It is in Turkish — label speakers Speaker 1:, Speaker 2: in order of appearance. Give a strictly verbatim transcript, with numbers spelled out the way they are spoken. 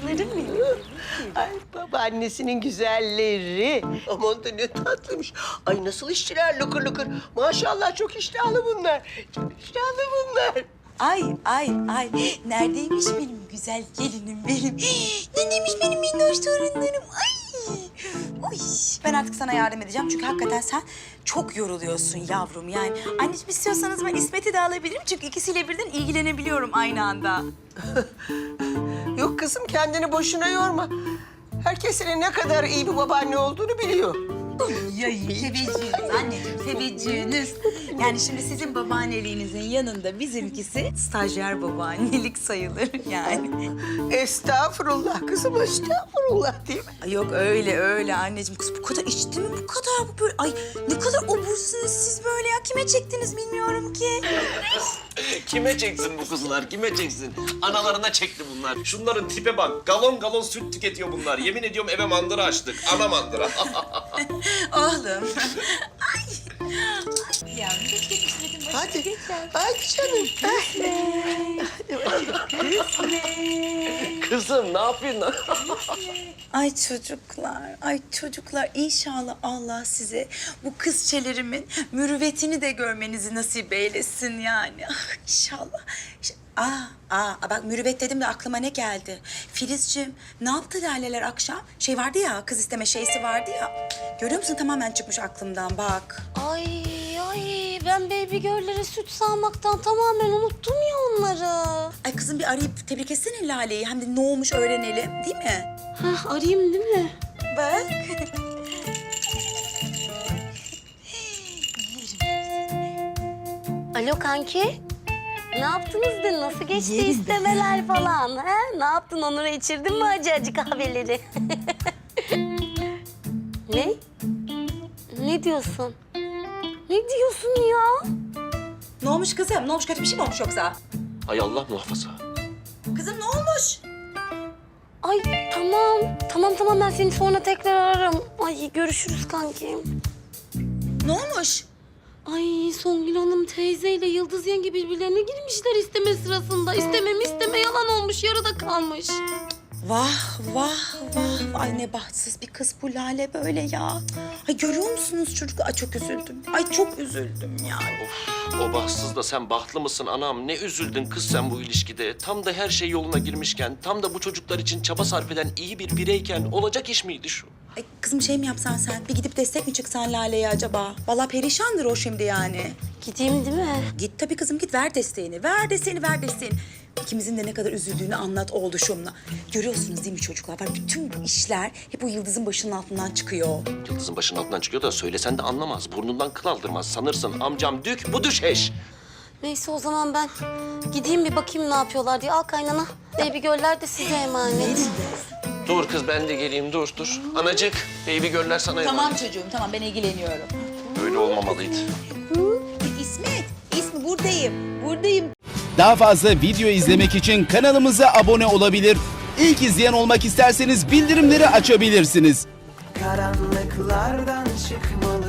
Speaker 1: Canlarım benim.
Speaker 2: Ay babaannesinin güzelleri. Aman da ne tatlıymış. Ay nasıl işçiler lıkır lıkır. Maşallah çok iştahlı bunlar. Çok iştahlı bunlar.
Speaker 1: Ay ay ay. Neredeymiş benim güzel gelinim benim? Neredeymiş benim minnoş torunlarım? Ay. Uy. Ben artık sana yardım edeceğim çünkü hakikaten sen çok yoruluyorsun yavrum yani. Anneciğim istiyorsanız ben İsmet'i de alabilirim çünkü ikisiyle birden ilgilenebiliyorum aynı anda.
Speaker 2: Yok kızım kendini boşuna yorma. Herkes senin ne kadar iyi bir babaanne olduğunu biliyor.
Speaker 1: Ya teveccühünüz anneciğim, teveccühünüz. Yani şimdi sizin babaanneliğinizin yanında bizimkisi stajyer babaannelik sayılır yani.
Speaker 2: Estağfurullah kızım, estağfurullah değil mi?
Speaker 1: Ay yok öyle öyle anneciğim. Kız bu kadar içti mi bu kadar bu böyle? Ay ne kadar obursunuz siz böyle ya. Kime çektiniz bilmiyorum ki.
Speaker 3: Kime çeksin bu kızlar, kime çeksin? Analarına çekti bunlar. Şunların tipe bak, galon galon süt tüketiyor bunlar. Yemin ediyorum eve mandıra açtık, ana mandıra.
Speaker 1: Oğlum. Ay. Ay yavrum geç geç İsmet'in başına.
Speaker 2: Hadi,
Speaker 1: Geç yavrum.
Speaker 2: hadi canım.
Speaker 3: Kızım ne yapıyorsun?
Speaker 1: Ay çocuklar, ay çocuklar inşallah Allah size bu kızçelerimin mürüvvetini de görmenizi nasip eylesin yani. Ah, İnşallah. İşte, aa, aa, bak mürüvvet dedim de aklıma ne geldi? Filizciğim ne yaptı Laleler akşam? Şey vardı ya, kız isteme şeysi vardı ya. Görüyor musun tamamen çıkmış aklımdan bak.
Speaker 4: Ay ay ben baby girl'lere süt sağmaktan tamamen unuttum ya onları.
Speaker 1: Ay kızım bir arayıp tebrik etsene Lale'yi. Hem de ne olmuş öğrenelim değil mi?
Speaker 4: Hah arayayım değil mi?
Speaker 1: Bak.
Speaker 4: Alo kanki. Ne yaptınız dün? Nasıl geçti
Speaker 1: Yerim
Speaker 4: istemeler falan? Ha? Ne yaptın? Onur'a içirdin mi acı acı kahveleri? Ne? Ne diyorsun? Ne diyorsun ya?
Speaker 1: Ne olmuş kızım? Ne olmuş? Kötü bir şey mi olmuş yoksa?
Speaker 3: Hay Allah muhafaza.
Speaker 1: Kızım ne olmuş?
Speaker 4: Ay tamam. Tamam tamam ben seni sonra tekrar ararım. Ay görüşürüz kankim.
Speaker 1: Ne olmuş?
Speaker 4: Ay Songül Hanım teyzeyle Yıldız yenge birbirlerine girmişler isteme sırasında. İsteme mi isteme yalan olmuş yarıda kalmış.
Speaker 1: Vah vah vah. Ay ne bahtsız bir kız bu Lale böyle ya. Ay görüyor musunuz çocuk? Ay çok üzüldüm. Ay çok üzüldüm yani.
Speaker 3: Of, o bahtsız da sen bahtlı mısın anam? Ne üzüldün kız sen bu ilişkide? Tam da her şey yoluna girmişken, tam da bu çocuklar için çaba sarf eden iyi bir bireyken olacak iş miydi şu?
Speaker 1: Ay kızım şey mi yapsan sen? Bir gidip destek mi çıksan Lale'ye acaba? Vallahi perişandır o şimdi yani.
Speaker 4: Gideyim değil mi?
Speaker 1: Git tabii kızım git ver desteğini. Ver desteğini ver desteğini. İkimizin de ne kadar üzüldüğünü anlat oğluşumla. Görüyorsunuz değil mi çocuklar? Bak bütün bu işler hep bu Yıldız'ın başının altından çıkıyor.
Speaker 3: Yıldız'ın başının altından çıkıyor da söylesen de anlamaz. Burnundan kıl aldırmaz. Sanırsın amcam dük, bu düşeş.
Speaker 4: Neyse o zaman ben gideyim bir bakayım ne yapıyorlar diye. Al kaynana. Baby girl'ler de size emanet.
Speaker 3: Dur kız ben de geleyim, dur dur. Anacık, baby göller sana emanet.
Speaker 1: Tamam çocuğum tamam ben ilgileniyorum.
Speaker 3: Böyle olmamalıydı.
Speaker 1: İsmet, İsmi buradayım. Buradayım.
Speaker 5: Daha fazla video izlemek için kanalımıza abone olabilir. İlk izleyen olmak isterseniz bildirimleri açabilirsiniz.
Speaker 6: Karanlıklardan çıkmalı